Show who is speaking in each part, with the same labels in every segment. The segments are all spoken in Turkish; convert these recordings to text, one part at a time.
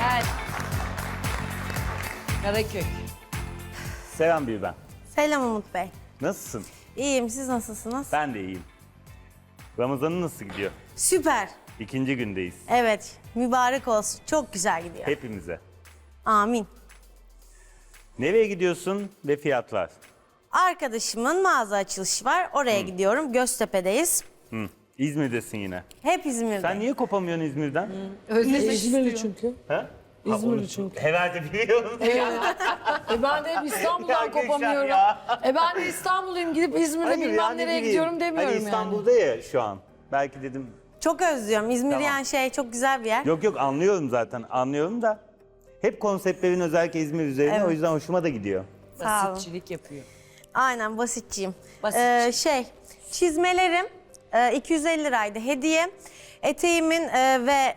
Speaker 1: Evet. Karakök.
Speaker 2: Selam bir ben.
Speaker 3: Selam Umut Bey.
Speaker 2: Nasılsın?
Speaker 3: İyiyim, siz nasılsınız?
Speaker 2: Ben de iyiyim. Ramazan'ın nasıl gidiyor?
Speaker 3: Süper.
Speaker 2: İkinci gündeyiz.
Speaker 3: Evet, mübarek olsun. Çok güzel gidiyor.
Speaker 2: Hepimize.
Speaker 3: Amin.
Speaker 2: Nereye gidiyorsun ve fiyatlar?
Speaker 3: Arkadaşımın mağaza açılışı var. Oraya gidiyorum. Göztepe'deyiz.
Speaker 2: Hı. İzmir'desin yine.
Speaker 3: Hep İzmir'de.
Speaker 2: Sen niye kopamıyorsun İzmir'den?
Speaker 4: İzmirli çünkü.
Speaker 2: Ha?
Speaker 4: İzmirli çünkü.
Speaker 2: Herhalde biliyorum.
Speaker 4: Ben de hep İstanbul'dan
Speaker 2: Ya Gülşen
Speaker 4: kopamıyorum.
Speaker 2: ya.
Speaker 4: Ben de İstanbulluyum, gidip İzmir'de
Speaker 2: Hayır,
Speaker 4: bilmem
Speaker 2: yani
Speaker 4: nereye
Speaker 2: bileyim.
Speaker 4: gidiyorum demiyorum
Speaker 2: Hani
Speaker 4: yani.
Speaker 2: İstanbul'da ya şu an. Belki dedim.
Speaker 3: Çok özlüyorum. İzmir
Speaker 2: Tamam.
Speaker 3: yani çok güzel bir yer.
Speaker 2: Yok anlıyorum zaten. Anlıyorum da. Hep konseptlerin özellikle İzmir üzerine.
Speaker 3: Evet.
Speaker 2: O yüzden hoşuma da gidiyor.
Speaker 3: Sağ olun.
Speaker 1: Basitçilik yapıyor.
Speaker 3: Aynen, basitçiyim.
Speaker 1: Basitçi.
Speaker 3: Çizmelerim 250 liraydı hediye. Eteğimin ve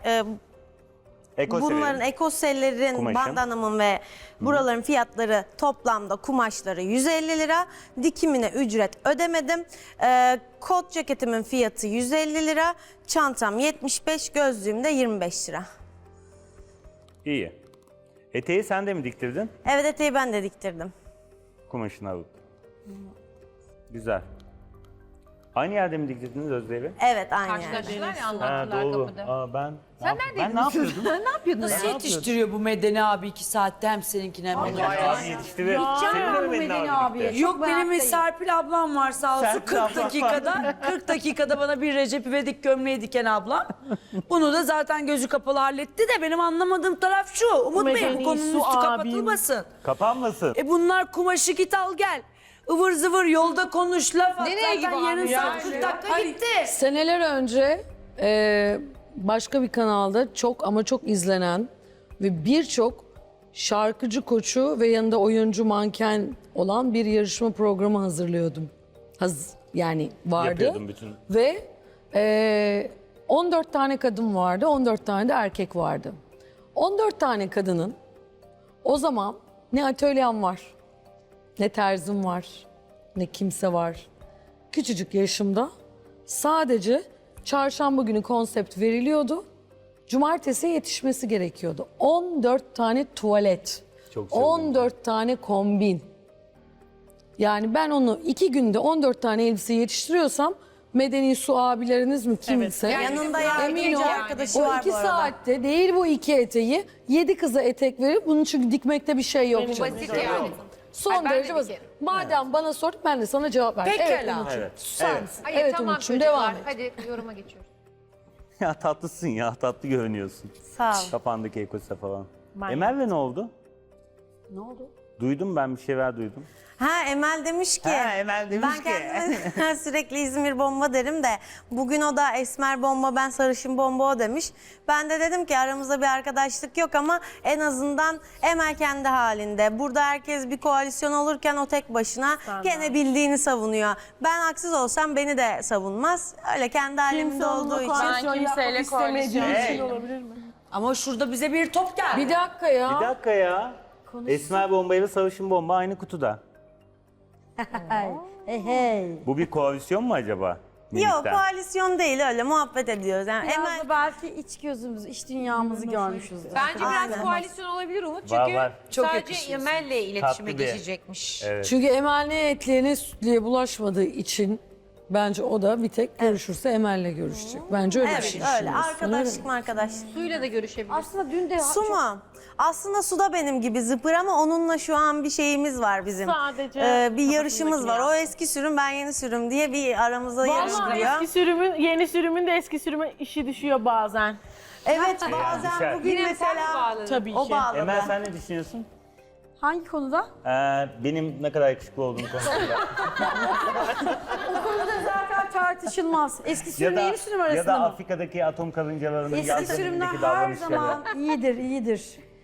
Speaker 3: bunların ekosellerin,
Speaker 2: Kumaşın.
Speaker 3: bandanamın ve buraların fiyatları toplamda kumaşları 150 lira. Dikimine ücret ödemedim. Kot ceketimin fiyatı 150 lira. Çantam 75, gözlüğüm de 25 lira.
Speaker 2: İyi. Eteği sen de mi diktirdin?
Speaker 3: Evet, eteği ben de diktirdim.
Speaker 2: Kumaşını alıp. Güzel. Aynı yerde mi diktirdiniz Özdeğil'i?
Speaker 3: Evet, aynı yerde.
Speaker 5: Karşılaştılar ya
Speaker 2: Ha
Speaker 5: anlattılar
Speaker 2: doğru.
Speaker 5: kapıda.
Speaker 2: Aa, ben
Speaker 5: Sen
Speaker 2: ben ne yapıyordum?
Speaker 5: Ne yapıyordun ya?
Speaker 1: Nasıl yetiştiriyor bu Medeni abi 2 saatte hem seninkini hem benim?
Speaker 2: Abi yetiştirir. Senin de mi Medeni abi birlikte?
Speaker 1: Yok benim Serpil ablam var sağ olsun
Speaker 2: Serpil
Speaker 1: 40
Speaker 2: ablam
Speaker 1: dakikada 40 dakikada bana bir Recep İvedik gömleği diken ablam. Bunu da zaten gözü kapalı halletti de benim anlamadığım taraf şu. Umut Bey bu konunun üstü kapatılmasın.
Speaker 2: Kapanmasın.
Speaker 1: Bunlar kumaşı git al gel. Ivır zıvır yolda konuş laf at.
Speaker 5: Nereye
Speaker 1: Zaten
Speaker 5: gibi
Speaker 1: yarım
Speaker 5: abi
Speaker 1: saat
Speaker 5: ya?
Speaker 1: 40 dakika gitti.
Speaker 4: Seneler önce başka bir kanalda çok ama çok izlenen ve birçok şarkıcı koçu ve yanında oyuncu manken olan bir yarışma programı hazırlıyordum. Yani vardı.
Speaker 2: Yapıyordum bütün.
Speaker 4: Ve 14 tane kadın vardı, 14 tane de erkek vardı. 14 tane kadının o zaman ne atölyem var, ne terzim var, ne kimse var. Küçücük yaşımda sadece çarşamba günü konsept veriliyordu. Cumartesiye yetişmesi gerekiyordu. 14 tane tuvalet,
Speaker 2: Çok sevdim.
Speaker 4: 14 tane kombin. Yani ben onu 2 günde 14 tane elbise yetiştiriyorsam Medeni Su abileriniz mi kimse?
Speaker 3: Yanında
Speaker 4: Emin
Speaker 3: yardımcı
Speaker 4: ol,
Speaker 3: arkadaşı
Speaker 4: o
Speaker 3: var
Speaker 4: 2
Speaker 3: bu arada.
Speaker 4: saatte değil bu 2 eteği 7 kıza etek verip bunun çünkü dikmekte bir şey yok. canım.
Speaker 5: Basit yani.
Speaker 4: Son
Speaker 5: Ay, ben de
Speaker 4: derece basit.
Speaker 5: dikerim.
Speaker 4: Madem bana sor ben de sana cevap verdim.
Speaker 1: Pekala.
Speaker 4: Evet Umut'cum.
Speaker 2: Evet.
Speaker 4: Susar
Speaker 2: Evet.
Speaker 4: mısın?
Speaker 5: Hayır
Speaker 4: Evet
Speaker 5: tamam
Speaker 4: Umut'cum
Speaker 5: çocuklar.
Speaker 4: devam et.
Speaker 5: Hadi yoruma geçiyoruz.
Speaker 2: Ya tatlısın ya. Tatlı görünüyorsun.
Speaker 3: Sağ ol.
Speaker 2: Kafandaki ekose falan. Emel'le ne oldu?
Speaker 4: Ne oldu?
Speaker 2: Duydum ben bir şeyler duydum.
Speaker 3: Ha, Emel demiş ki.
Speaker 2: Ha, Emel demiş
Speaker 3: ben
Speaker 2: ki.
Speaker 3: kendime sürekli İzmir bomba derim de bugün o da esmer bomba, ben sarışın bomba o demiş. Ben de dedim ki aramızda bir arkadaşlık yok ama en azından Emel kendi halinde. Burada herkes bir koalisyon olurken o tek başına gene bildiğini savunuyor. Ben haksız olsam beni de savunmaz. Öyle kendi halimde olduğu için.
Speaker 5: Ben kimseyle koalisyon.
Speaker 1: Ama şurada bize bir top geldi.
Speaker 4: Bir dakika ya.
Speaker 2: Bir dakika ya. Esmer bomba ile sarışın bomba aynı kutuda. Bu bir koalisyon mu acaba?
Speaker 3: Yok,
Speaker 2: Minikten.
Speaker 3: koalisyon değil, öyle muhabbet ediyoruz. Yani
Speaker 6: Biraz
Speaker 3: Emel
Speaker 6: da belki iç gözümüz, iç dünyamızı görmüşüzdür.
Speaker 5: Bence biraz
Speaker 3: Aynen.
Speaker 5: koalisyon olabilir Umut çünkü
Speaker 2: Var.
Speaker 1: Çok
Speaker 5: sadece
Speaker 1: yakışıyorsun.
Speaker 5: Emel'le iletişime
Speaker 2: Tatlı bir-
Speaker 5: geçecekmiş.
Speaker 2: Evet.
Speaker 4: Çünkü Emel ne etliye ne sütlüye bulaşmadığı için bence o da bir tek görüşürse Emel'le görüşecek. Bence öyle bir
Speaker 3: evet,
Speaker 4: şey
Speaker 3: öyle
Speaker 4: düşünüyorsun, öyle mi?
Speaker 3: arkadaşlık mı arkadaşlık.
Speaker 5: Suyla da görüşebilir.
Speaker 6: Aslında dün de
Speaker 3: Su mu? Aslında Su da benim gibi zıpır ama onunla şu an bir şeyimiz var bizim.
Speaker 7: Sadece
Speaker 3: bir yarışımız var. O eski sürüm, ben yeni sürüm diye bir aramızda yarış
Speaker 7: Vallahi
Speaker 3: gidiyor.
Speaker 7: eski sürümün, yeni sürümün de eski sürüme işi düşüyor bazen.
Speaker 3: Evet,
Speaker 2: düşer.
Speaker 3: bazen bugün
Speaker 5: Yine sen mi
Speaker 3: mesela
Speaker 5: bağladın?
Speaker 7: Tabii
Speaker 3: o
Speaker 7: ki.
Speaker 3: bağladı.
Speaker 2: Emel sen ne düşünüyorsun?
Speaker 6: hangi konuda?
Speaker 2: Benim ne kadar yakışıklı olduğum konusunda.
Speaker 6: O konuda zaten tartışılmaz. Eski sürümle yeni sürüm
Speaker 2: ya
Speaker 6: arasında
Speaker 2: da
Speaker 6: mı?
Speaker 2: Afrika'daki atom karıncalarının
Speaker 6: Eski
Speaker 2: yaz
Speaker 6: sürümler
Speaker 2: dönemindeki
Speaker 6: her
Speaker 2: davranışları.
Speaker 6: zaman iyidir, iyidir.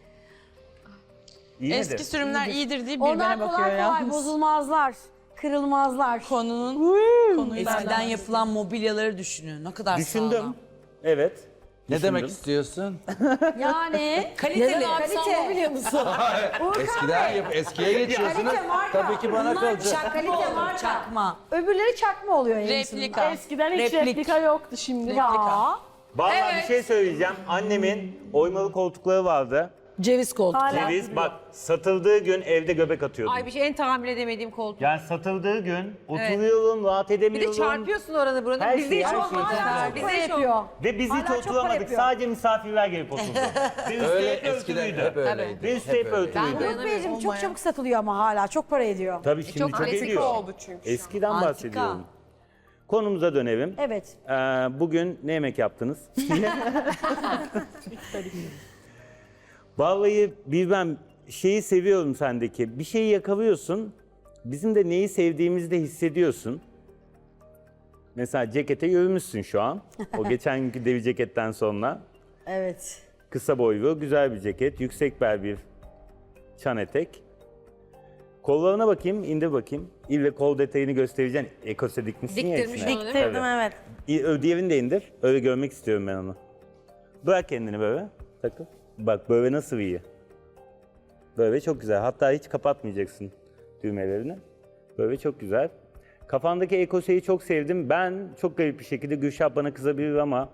Speaker 2: İyi
Speaker 8: Eski
Speaker 2: midir?
Speaker 8: sürümler iyidir deyip
Speaker 6: Onlar
Speaker 8: birbirine bakıyor
Speaker 6: kolay kolay
Speaker 8: ya.
Speaker 6: bozulmazlar, kırılmazlar.
Speaker 8: Konuyla
Speaker 1: Eskiden
Speaker 8: alakalı.
Speaker 1: yapılan mobilyaları düşünün. Ne kadar
Speaker 2: Düşündüm.
Speaker 1: sağlam.
Speaker 2: Evet.
Speaker 9: Ne
Speaker 2: Düşündüm.
Speaker 9: demek istiyorsun?
Speaker 6: Yani
Speaker 1: Kaliteli.
Speaker 4: Neden abi sen biliyor musun?
Speaker 9: Eskiye geçiyorsunuz.
Speaker 6: kalite marka.
Speaker 9: Tabii ki bana
Speaker 1: Bunlar
Speaker 9: kalacak.
Speaker 1: çakma
Speaker 6: Kalite
Speaker 1: olur,
Speaker 6: marka.
Speaker 1: çakma.
Speaker 6: Öbürleri çakma oluyor en
Speaker 8: Replika.
Speaker 7: Eskiden hiç
Speaker 1: Replik.
Speaker 7: replika yoktu şimdi.
Speaker 6: Ya
Speaker 2: Vallahi bir şey söyleyeceğim. Annemin oymalı koltukları vardı.
Speaker 4: Ceviz koltuk.
Speaker 2: Ceviz bak satıldığı gün evde göbek atıyordum.
Speaker 5: Ay bir şey en tahammül edemediğim koltuk.
Speaker 2: Yani satıldığı gün oturuyorum, rahat
Speaker 5: Bir
Speaker 2: edemiyorum.
Speaker 5: de çarpıyorsun oranı buranı.
Speaker 2: Her
Speaker 5: Bizde
Speaker 2: şey,
Speaker 5: hiç
Speaker 2: her şey
Speaker 5: olmaz.
Speaker 2: çok güzel.
Speaker 5: Bizde hiç
Speaker 6: yapıyor.
Speaker 5: olmaz.
Speaker 2: Ve biz hiç
Speaker 6: Hala çok para
Speaker 2: oturamadık.
Speaker 6: yapıyor.
Speaker 2: Sadece misafirler gelip oturdu. Ve üstü
Speaker 9: Öyle
Speaker 2: hep
Speaker 9: eskiden
Speaker 2: örtülüydü.
Speaker 9: hep öyleydi.
Speaker 2: Ve üstü hep
Speaker 9: öyleydi.
Speaker 2: örtülüydü.
Speaker 6: Umut Beyciğim çok çabuk satılıyor ama hala çok para ediyor.
Speaker 2: Tabii şimdi çok,
Speaker 5: klasik
Speaker 2: ediyor.
Speaker 5: oldu çünkü.
Speaker 2: Eskiden
Speaker 1: Antika.
Speaker 2: bahsediyorum. Konumuza dönelim.
Speaker 6: Evet.
Speaker 2: Bugün ne yemek yaptınız? Vallahi bilmem şeyi seviyorum sendeki. Bir şeyi yakalıyorsun. Bizim de neyi sevdiğimizi de hissediyorsun. Mesela cekete yürümüşsün şu an. O geçen günkü devi ceketten sonra.
Speaker 6: Evet.
Speaker 2: Kısa boylu, güzel bir ceket. Yüksek bel bir çan etek. Kollarına bakayım, indir bakayım. İlle kol detayını göstereceksin. Ekose dikmişsin ya
Speaker 5: Diktirmiş
Speaker 2: içine.
Speaker 5: onu değil mi?
Speaker 3: Diktirdim evet.
Speaker 2: Diğerini de indir. Öyle görmek istiyorum ben onu. Bırak kendini böyle. Takıl. Bak böyle nasıl iyi. Böyle çok güzel. Hatta hiç kapatmayacaksın düğmelerini. Böyle çok güzel. Kafandaki ekoseyi çok sevdim. Ben çok garip bir şekilde Gülşah bana kızabilir ama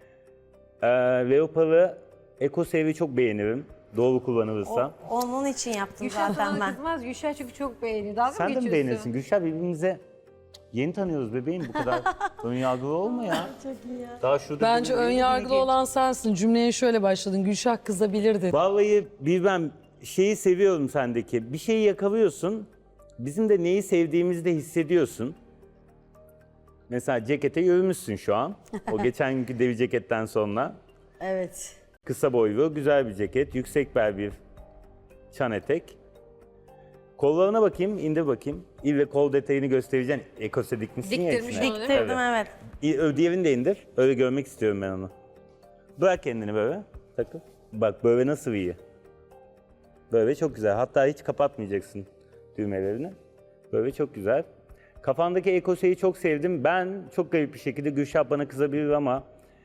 Speaker 2: leoparı ekoseyi çok beğenirim. Doğru kullanılırsa.
Speaker 3: Onun için yaptım
Speaker 5: Gülşah
Speaker 3: zaten
Speaker 5: sana
Speaker 3: ben.
Speaker 5: kızmaz. Gülşah çünkü çok beğeniyor. Dalga mı
Speaker 2: Sen de mi
Speaker 5: geçiyorsun?
Speaker 2: beğenirsin? Gülşah birbirimize yeni tanıyoruz bebeğim. Bu kadar önyargılı olma ya. Çok iyi ya. Daha şurada
Speaker 4: Bence
Speaker 2: birbirine
Speaker 4: ön yargılı
Speaker 2: geç.
Speaker 4: olan sensin. Cümleye şöyle başladın. Gülşah kızabilir dedi.
Speaker 2: Vallahi bilmem şeyi seviyorum sendeki. Bir şeyi yakalıyorsun. Bizim de neyi sevdiğimizi de hissediyorsun. Mesela cekete yürümüşsün şu an. O geçen günkü devi ceketten sonra.
Speaker 6: Evet.
Speaker 2: Kısa boylu, güzel bir ceket. Yüksek bel bir çan etek. Kollarına bakayım, indir bakayım. İlle kol detayını göstereceksin. Ekose dikmişsin ya
Speaker 5: Diktirmiş
Speaker 2: içine.
Speaker 5: onu değil mi?
Speaker 3: Diktirdim evet.
Speaker 2: Diğerini de indir. Öyle görmek istiyorum ben onu. Bırak kendini böyle. Takıl. Bak böyle nasıl iyi. Böyle çok güzel. Hatta hiç kapatmayacaksın düğmelerini. Böyle çok güzel. Kafandaki ekoseyi çok sevdim. Ben çok garip bir şekilde Gülşah bana kızabilir ama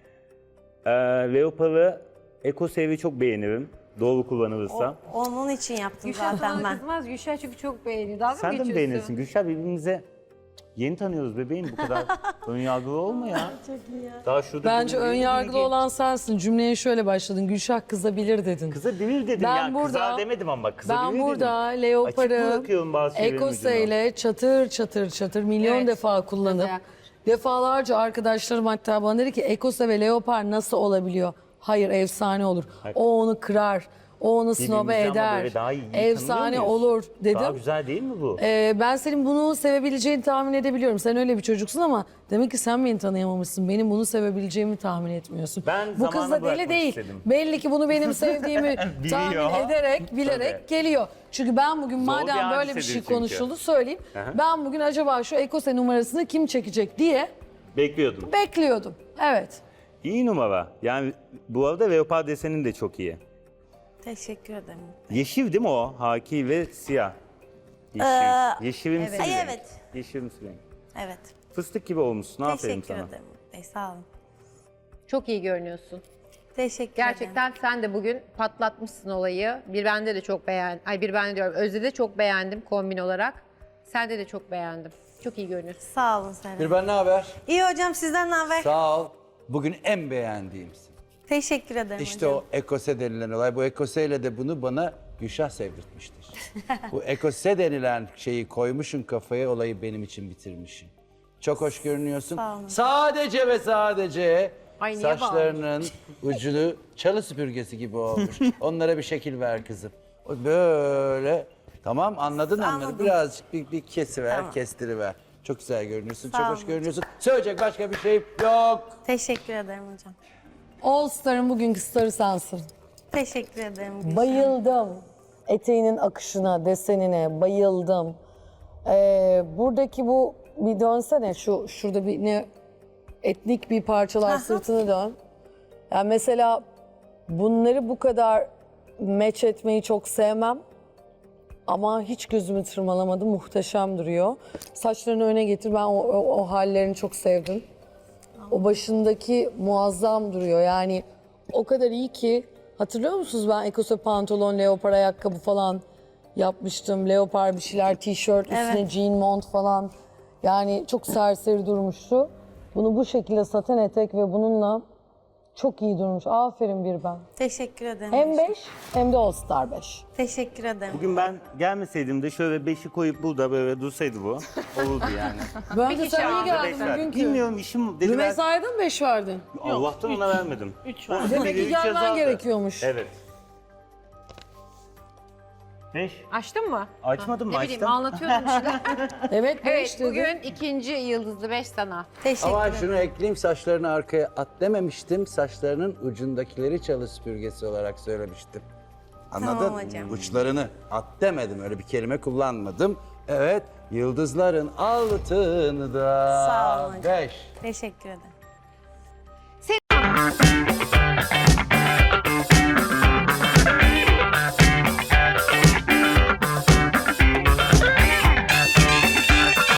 Speaker 2: leoparı ekoseyi çok beğenirim. Doğru kullanılırsa.
Speaker 3: Onun için yaptım
Speaker 5: Gülşah
Speaker 3: zaten
Speaker 5: sana
Speaker 3: ben.
Speaker 5: kızmaz. Gülşah çünkü çok beğeniyor. Dalga mı
Speaker 2: Sen de
Speaker 5: geçiyorsun?
Speaker 2: mi beğenirsin? Gülşah birbirimize yeni tanıyoruz bebeğim. Bu kadar önyargılı olma ya. Çok iyi ya. Daha şurada
Speaker 4: Bence ön
Speaker 2: birbirine
Speaker 4: yargılı
Speaker 2: geç.
Speaker 4: olan sensin. Cümleye şöyle başladın. Gülşah kızabilir dedin.
Speaker 2: Kızabilir dedim
Speaker 4: Ben
Speaker 2: ya.
Speaker 4: burada-
Speaker 2: Kızar demedim ama bak kızabilir
Speaker 4: Ben
Speaker 2: dedim.
Speaker 4: burada
Speaker 2: Açık
Speaker 4: leoparı
Speaker 2: bırakıyorum bazı şeylerin ucunu.
Speaker 4: ekoseyle çatır çatır çatır milyon
Speaker 5: Evet.
Speaker 4: defa kullanıp
Speaker 5: Mesela.
Speaker 4: defalarca arkadaşlarım hatta bana dedi ki ekose ve leopar nasıl olabiliyor? Hayır efsane olur. O onu kırar. O onu snobe
Speaker 2: Birbirimizi ama
Speaker 4: eder.
Speaker 2: böyle daha iyi
Speaker 4: Efsane
Speaker 2: tanıyor muyuz?
Speaker 4: olur dedim.
Speaker 2: Daha güzel değil mi bu?
Speaker 4: Ben senin bunu sevebileceğini tahmin edebiliyorum. Sen öyle bir çocuksun ama demek ki sen beni tanıyamamışsın. Benim bunu sevebileceğimi tahmin etmiyorsun.
Speaker 2: Ben
Speaker 4: Bu kız
Speaker 2: zamana
Speaker 4: da deli
Speaker 2: bırakmak
Speaker 4: değil.
Speaker 2: istedim.
Speaker 4: Belli ki bunu benim sevdiğimi tahmin
Speaker 2: Biliyor.
Speaker 4: ederek, bilerek
Speaker 2: Tabii.
Speaker 4: geliyor. Çünkü ben bugün
Speaker 2: bir
Speaker 4: madem böyle bir
Speaker 2: hadisedir
Speaker 4: şey
Speaker 2: çünkü.
Speaker 4: konuşuldu söyleyeyim.
Speaker 2: Aha.
Speaker 4: Ben bugün acaba şu ekose numarasını kim çekecek diye
Speaker 2: Bekliyordum.
Speaker 4: bekliyordum. Evet.
Speaker 2: İyi numara. Yani bu arada leopar desenin de çok iyi.
Speaker 3: Teşekkür ederim.
Speaker 2: Yeşil değil mi o? Haki ve siyah. Yeşil. Yeşilimsi
Speaker 3: Ay,
Speaker 2: bir renk.
Speaker 3: evet.
Speaker 2: Yeşilimsi renk.
Speaker 3: Evet.
Speaker 2: Fıstık gibi olmuşsun. Aferin
Speaker 3: Teşekkür
Speaker 2: sana.
Speaker 3: ederim. Sağ olun.
Speaker 5: Çok iyi görünüyorsun.
Speaker 3: Teşekkür ederim.
Speaker 5: Gerçekten sen de bugün patlatmışsın olayı. Bir bende de çok beğendim. Ay bir bende diyorum. Özde de çok beğendim kombin olarak. Sende de çok beğendim. Çok iyi görünüyorsun.
Speaker 3: Sağ olun Serap.
Speaker 9: Bir ben ne haber?
Speaker 3: İyi hocam sizden ne haber?
Speaker 9: Sağ ol. Bugün en beğendiğimsin.
Speaker 3: Teşekkür ederim
Speaker 9: İşte
Speaker 3: hocam.
Speaker 9: o ekose denilen olay. Bu ekoseyle de bunu bana Gülşah sevdirtmiştir. Bu ekose denilen şeyi koymuşsun kafaya, olayı benim için bitirmişsin. Çok hoş görünüyorsun.
Speaker 3: Sağ olun.
Speaker 9: Sadece ve sadece
Speaker 5: Ay, niye
Speaker 9: saçlarının ucunu çalı süpürgesi gibi olmuş. Onlara bir şekil ver kızım. O böyle. Tamam anladın onları.
Speaker 3: Anladım.
Speaker 9: Birazcık bir kesiver,
Speaker 3: Tamam.
Speaker 9: kestiriver. Çok güzel görünüyorsun,
Speaker 3: Sağ
Speaker 9: çok
Speaker 3: olun
Speaker 9: hoş görünüyorsun. Söyleyecek başka bir şey yok.
Speaker 3: Teşekkür ederim hocam.
Speaker 4: All Star'ın bugünkü starı sensin.
Speaker 3: Teşekkür ederim. Gülşah.
Speaker 4: Bayıldım. Eteğinin akışına, desenine bayıldım. Buradaki bu bir dönsene şurada bir ne etnik bir parçalar sırtını dön. Yani mesela bunları bu kadar match etmeyi çok sevmem. Ama hiç gözümü tırmalamadı. Muhteşem duruyor. Saçlarını öne getir. Ben o hallerini çok sevdim. O başındaki muazzam duruyor. Yani o kadar iyi ki hatırlıyor musunuz ben ekose pantolon, leopar ayakkabı falan yapmıştım. Leopar bir şeyler, tişört, üstüne jean mont falan. Yani çok serseri durmuştu. Bunu bu şekilde saten etek ve bununla Çok iyi durmuş. Aferin bir ben.
Speaker 3: Teşekkür ederim.
Speaker 4: Hem 5 hem de All Star 5.
Speaker 3: Teşekkür ederim.
Speaker 2: Bugün ben gelmeseydim de şöyle 5'i koyup burada böyle dursaydı bu. Olurdu yani.
Speaker 4: Ben de sana iyi
Speaker 2: Beş
Speaker 4: geldin
Speaker 2: verdim.
Speaker 4: bugünkü.
Speaker 2: Bilmiyorum işim dedi ben.
Speaker 4: Rümeysa'ya da mı 5 verdin?
Speaker 2: Allah'tan ona vermedim.
Speaker 7: 3 var.
Speaker 4: Demek ki
Speaker 2: Üç
Speaker 4: gelmen
Speaker 2: yazardı.
Speaker 4: gerekiyormuş.
Speaker 2: Evet. 5.
Speaker 5: Açtın mı?
Speaker 2: Açmadım mı?
Speaker 5: Ne bileyim
Speaker 2: Açtım.
Speaker 5: anlatıyordum bir şeyler.
Speaker 4: Evet 5
Speaker 5: Evet
Speaker 4: dedi.
Speaker 5: bugün ikinci yıldızlı 5 sana.
Speaker 3: Teşekkür
Speaker 9: Ama
Speaker 3: ederim.
Speaker 9: şunu ekleyeyim, saçlarını arkaya at dememiştim. Saçlarının ucundakileri çalı süpürgesi olarak söylemiştim. Anladın?
Speaker 3: Tamam hocam.
Speaker 9: Uçlarını at demedim. Öyle bir kelime kullanmadım. Evet, yıldızların altında
Speaker 3: Sağ olun hocam.
Speaker 9: 5.
Speaker 3: Teşekkür ederim.